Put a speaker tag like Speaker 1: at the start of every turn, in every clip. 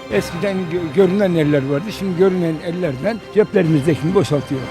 Speaker 1: Eskiden görünen eller vardı. Şimdi görünen ellerden ceplerimizdekini boşaltıyorlar.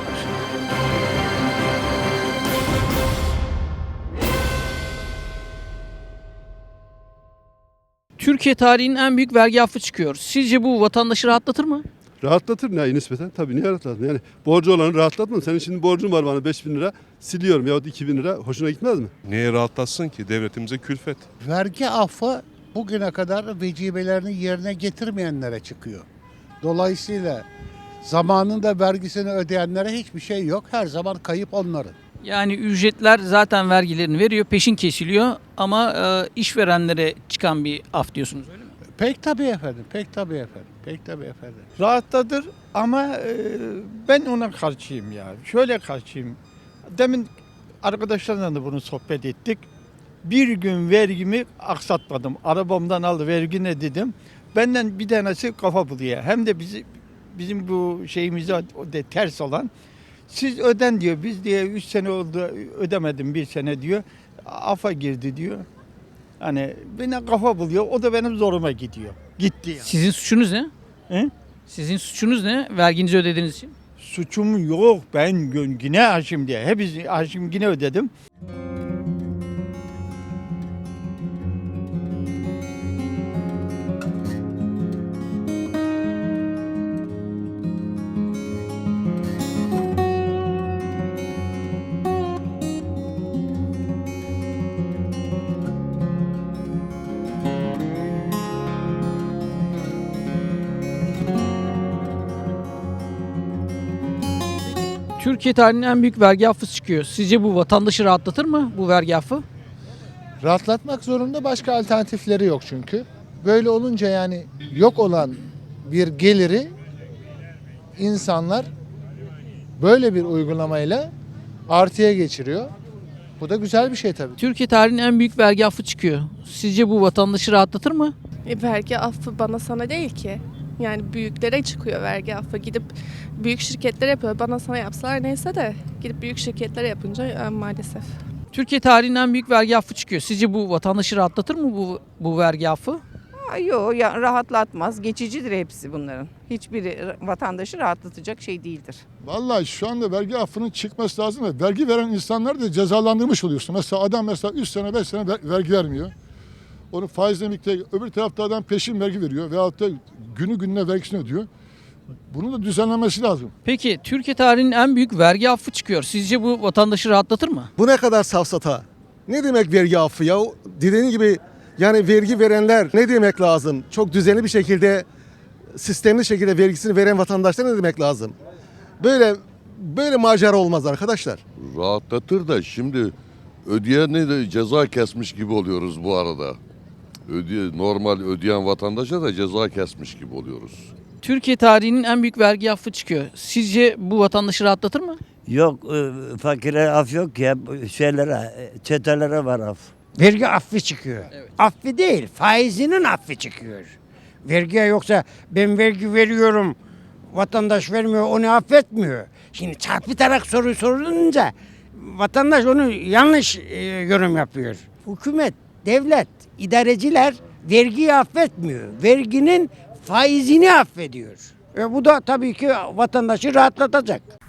Speaker 2: Türkiye tarihinin en büyük vergi affı çıkıyor. Sizce bu vatandaşı rahatlatır mı?
Speaker 3: Rahatlatır ne nispeten? Tabii niye rahatlatır? Yani borcu olanı rahatlatmaz. Senin şimdi borcun var bana 5.000 lira siliyorum yahut 2.000 lira hoşuna gitmez mi?
Speaker 4: Neye rahatlatsın ki? Devletimize külfet.
Speaker 5: Vergi affı bugüne kadar vecibelerini yerine getirmeyenlere çıkıyor. Dolayısıyla zamanında vergisini ödeyenlere hiçbir şey yok. Her zaman kayıp onların.
Speaker 2: Yani ücretler zaten vergilerini veriyor, peşin kesiliyor ama işverenlere çıkan bir af diyorsunuz öyle mi?
Speaker 5: Pek tabii efendim, pek tabii efendim, pek tabii efendim.
Speaker 6: Rahatladır ama ben ona karşıyım ya. Şöyle karşıyım. Demin arkadaşlarla da bunu sohbet ettik. Bir gün vergimi aksatmadım. Arabamdan aldı vergi ne dedim. Benden bir tanesi kafa buluyor. Hem de bizim bu şeyimize ters olan. Siz öden diyor. Biz diye 3 sene oldu ödemedim 1 sene diyor. Afa girdi diyor. Hani bana kafa buluyor. O da benim zoruma gidiyor. Gitti yani.
Speaker 2: Sizin suçunuz ne?
Speaker 6: He?
Speaker 2: Sizin suçunuz ne? Verginizi ödediğiniz için.
Speaker 6: Suçum yok. Ben yine Haşim diye. Hepsi Haşim yine ödedim.
Speaker 2: Türkiye tarihinin en büyük vergi affı çıkıyor. Sizce bu vatandaşı rahatlatır mı bu vergi affı?
Speaker 7: Rahatlatmak zorunda, başka alternatifleri yok çünkü. Böyle olunca yani yok olan bir geliri insanlar böyle bir uygulamayla artıya geçiriyor. Bu da güzel bir şey tabii.
Speaker 2: Türkiye tarihinin en büyük vergi affı çıkıyor. Sizce bu vatandaşı rahatlatır mı?
Speaker 8: Vergi affı bana sana değil ki. Yani büyüklere çıkıyor vergi affı. Gidip büyük şirketler yapıyor. Bana sana yapsalar neyse de gidip büyük şirketlere yapınca maalesef.
Speaker 2: Türkiye tarihinin en büyük vergi affı çıkıyor. Sizce bu vatandaşı rahatlatır mı bu vergi affı?
Speaker 9: Yok ya, rahatlatmaz. Geçicidir hepsi bunların. Hiçbiri vatandaşı rahatlatacak şey değildir.
Speaker 10: Vallahi şu anda vergi affının çıkması lazım ve vergi veren insanlar da cezalandırmış oluyorsun. Mesela adam 3 sene 5 sene vergi vermiyor. Onu faizle birlikte öbür tarafta adam peşin vergi veriyor veyahut da günü gününe vergisini ödüyor. Bunun da düzenlenmesi lazım.
Speaker 2: Peki Türkiye tarihinin en büyük vergi affı çıkıyor. Sizce bu vatandaşı rahatlatır mı?
Speaker 11: Bu ne kadar safsata? Ne demek vergi affı ya? Dediğin gibi yani vergi verenler ne demek lazım? Çok düzenli bir şekilde, sistemli şekilde vergisini veren vatandaşlar ne demek lazım? Böyle macera olmaz arkadaşlar.
Speaker 12: Rahatlatır da şimdi ödeyene de ceza kesmiş gibi oluyoruz bu arada. Normal ödeyen vatandaşa da ceza kesmiş gibi oluyoruz.
Speaker 2: Türkiye tarihinin en büyük vergi affı çıkıyor. Sizce bu vatandaşı rahatlatır mı?
Speaker 13: Yok, fakire af yok ya, çetelere var af.
Speaker 14: Vergi affı çıkıyor.
Speaker 2: Evet.
Speaker 14: Affı değil, faizinin affı çıkıyor. Vergiye yoksa ben vergi veriyorum, vatandaş vermiyor, onu affetmiyor. Şimdi çarpıtarak soru sorulunca vatandaş onu yanlış yorum yapıyor. Hükümet, devlet, idareciler vergiyi affetmiyor. Verginin faizini affediyor. Bu da tabii ki vatandaşı rahatlatacak.